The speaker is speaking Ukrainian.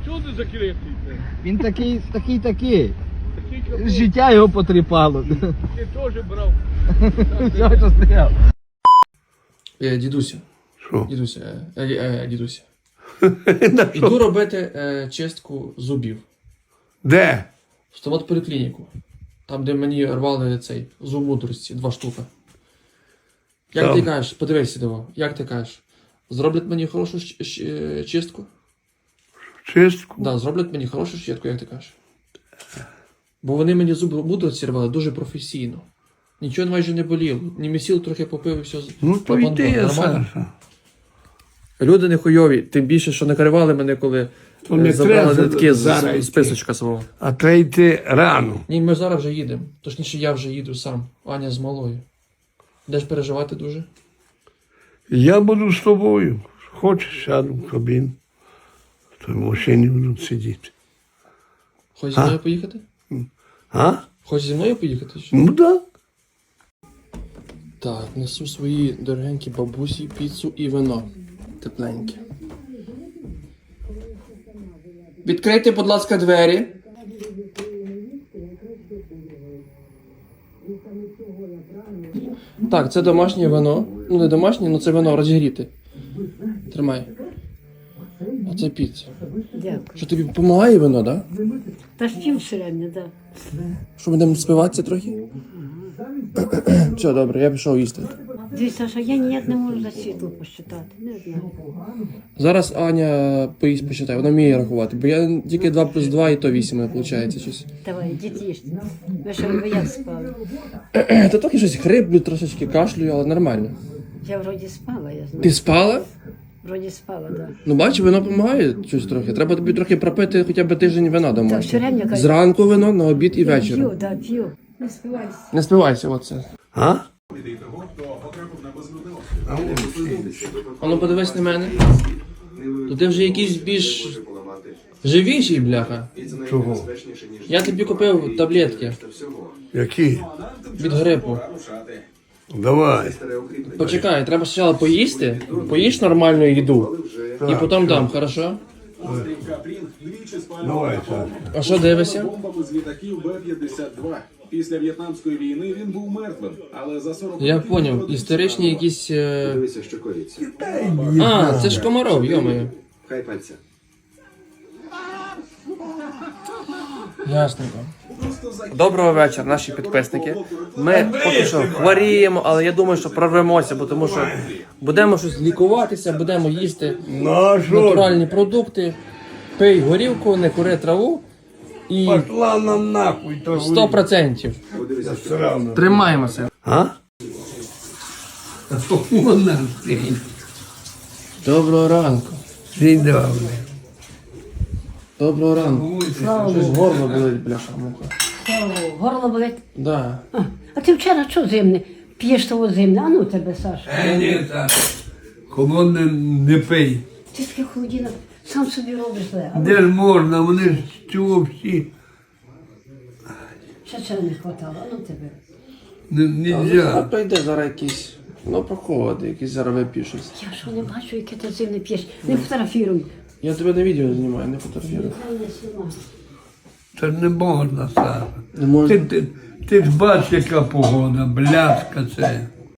Чого ти закритий? Він такий. Такий капот. Життя його потріпало. Ти теж брав. Все, що стояв. Дідуся. Що? Дідуся. На що? Іду робити чистку зубів. Де? В стоматполіклініку. Там, де мені рвали цей зуб мудрості, 2 штуки. Як Там. ти кажеш, подивися диво, як ти кажеш, зроблять мені хорошу чистку? Чистку? Да, зроблять мені хорошу чистку, як ти кажеш. Бо вони мені зуб мудрості рвали дуже професійно. Нічого майже не боліло. Німесіл трохи попив і все. Ну то йди, Саша. Люди не хуйові, тим більше, що накривали мене, коли То не забрали треба нитки зараз йти. з списочка свого. А треба йти рано. Ні, ми зараз вже їдемо. Точніше, я вже їду сам. Аня з малою. Де ж переживати дуже? Я буду з тобою. Хочеш, сяду в кабіну. То в машині буду сидіти. Хочеш зі мною поїхати? А? Хочеш зі мною поїхати? Чи? Ну да. Так, несу свої дорогенькі бабусі, піцу і вино. Тепленьке. Відкрийте, будь ласка, двері. Так, це домашнє вино. Ну, не домашнє, але це вино розігріте. Тримай. А це піца. Дякую. Що тобі допомагає вино, так? Да? Та ж пів середньо, так. Що, будемо спиватися трохи? Все, добре, я пішов їсти. Дивіться, що я ніяк не можу за світло посчитати. Не знаю. Зараз Аня поїсть посчитає, вона вміє рахувати, бо я тільки 2 плюс 2 і то 8 виходить щось. Давай, діти їжте. Ви що, ви як спали? Та трохи щось хриплю, трошечки кашлюю, але нормально. Я вроді спала, я знаю. Ти спала? Вроді спала, так. Ну бачиш, вино допомагає щось трохи. Треба тобі трохи пропити хоча б тиждень вина Так, все домашнього. рівно кажу. Зранку вино, на обід і Я ввечері. п'ю, так, п'ю. Не спивайся. Не спивайся, оце. А? А ну подивись на мене. То ти вже якийсь більш живіший, бляха. Чого? Я тобі купив таблетки Які? від грипу. Давай. Почекай, треба спочатку поїсти, поїж нормальну їду, і потім дам, хорошо? Давай, Саша. А що дивишся? Бомбами з літаків Б-52. Після В'єтнамської війни він був мертвим, але за 40 Я років поняв, народився історичні якісь... Дивися, що коїться. А, це ж Комаров, йомаю. Хай пальця. Ясненько. Доброго вечора, наші підписники. Ми поки що хворіємо, але я думаю, що прорвемося, бо тому що будемо щось лікуватися, будемо їсти Ну а що? натуральні продукти, пий горілку, не кури траву і Пошла нам нахуй. То 100%. Срано. Тримаємося. А? Вона стоїть. Доброго ранку. День добрий. Доброго ранку. Слава Щось Богу. горло болить, бляха муха. Слава Богу. Горло болить. Да. А ти вчора що зимне? П'єш того зимне? А ну тебе, Саша. Ні, Саша. Холодне не пий. Ти таке холодіно, сам собі робиш зле. А Де ж можна, вони ж цього всі. ще чого не хватало? А ну тебе. А Нельзя. прийде зараз якийсь, ну проходить, якийсь зараз вип'є щось. Я що не бачу, яке ти зимне п'єш. Не фотографіруй. Я тебе на відео знімаю, не фотографірую. Це ж не можна, Саша. Не можна. Ти ж бачиш, яка погода, бляска це.